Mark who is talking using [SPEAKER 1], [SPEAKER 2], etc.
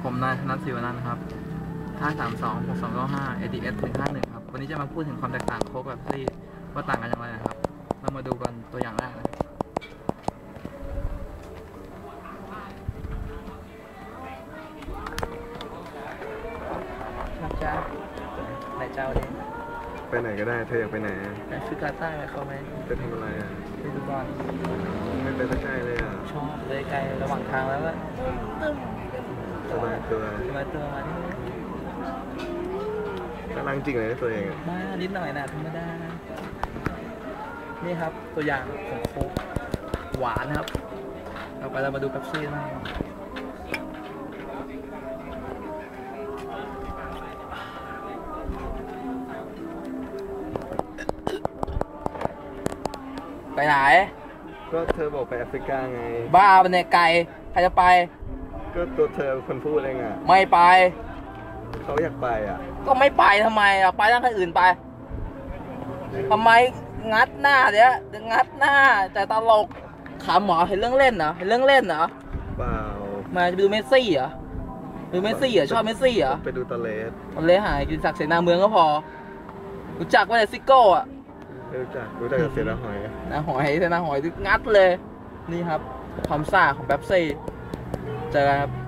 [SPEAKER 1] ผมนายธนศิวนันท์ครับ5326295 ADS 151ครับวันนี้จะมาพูดถึงความแตกต่างโค้กแบบซี่ว่าต่างกันอย่างไรนะครับเรามาดูกันตัวอย่างแรกนะครับจ้าไหนเจ้าเนี่ย
[SPEAKER 2] ไปไหนก็ได้เธออยากไปไหน
[SPEAKER 1] ไปฟิกาต้าไปเขาไหม
[SPEAKER 2] ไปทำอะไรอ่ะ
[SPEAKER 1] ไปดูบอล
[SPEAKER 2] ไม่ไปใกล้เลยอ่ะ
[SPEAKER 1] ชอบเลยไกลระหว่างทางแล้วก็
[SPEAKER 2] สบายตัว
[SPEAKER 1] มาที่
[SPEAKER 2] กำลังจริงเลยตัวเอง
[SPEAKER 1] มานิดหน่อยนะธรรมดานี่ครับตัวอย่างของโค้กหวานครับต่อไปเรามาดูเป๊ปซี่บ้างไปไหน
[SPEAKER 2] ก็เธอบอกไปแอฟริกาไง
[SPEAKER 1] บ้าเป็นไกลใครจะไป
[SPEAKER 2] ก็ตัวเธอคนพูดเองอ่ะ
[SPEAKER 1] ไม่ไป
[SPEAKER 2] เขาอยากไปอ่ะ
[SPEAKER 1] ก็ไม่ไปทำไมอ่ะไปตั้งใครอื่นไปทำไมงัดหน้าเดี๋ยวงัดหน้าแต่ตลกขำหมอเห็นเรื่องเล่นเหรอเห็นเรื่องเล่นเหรอ
[SPEAKER 2] เปล่า
[SPEAKER 1] มาจะไปดูเมสซี่เหรอดูเมสซี่เหรอชอบเมสซี่เหรอ
[SPEAKER 2] ไปดูตะเลส
[SPEAKER 1] หายกินศักดิ์เสนาเมืองก็พอรู้จักว่าแต่ซิโก้อ่ะ
[SPEAKER 2] รู้จักกับเสนาหอย
[SPEAKER 1] นะหอยเสนาหอยงัดเลยนี่ครับความซ่าของเป๊ปซี่เจอกันครับ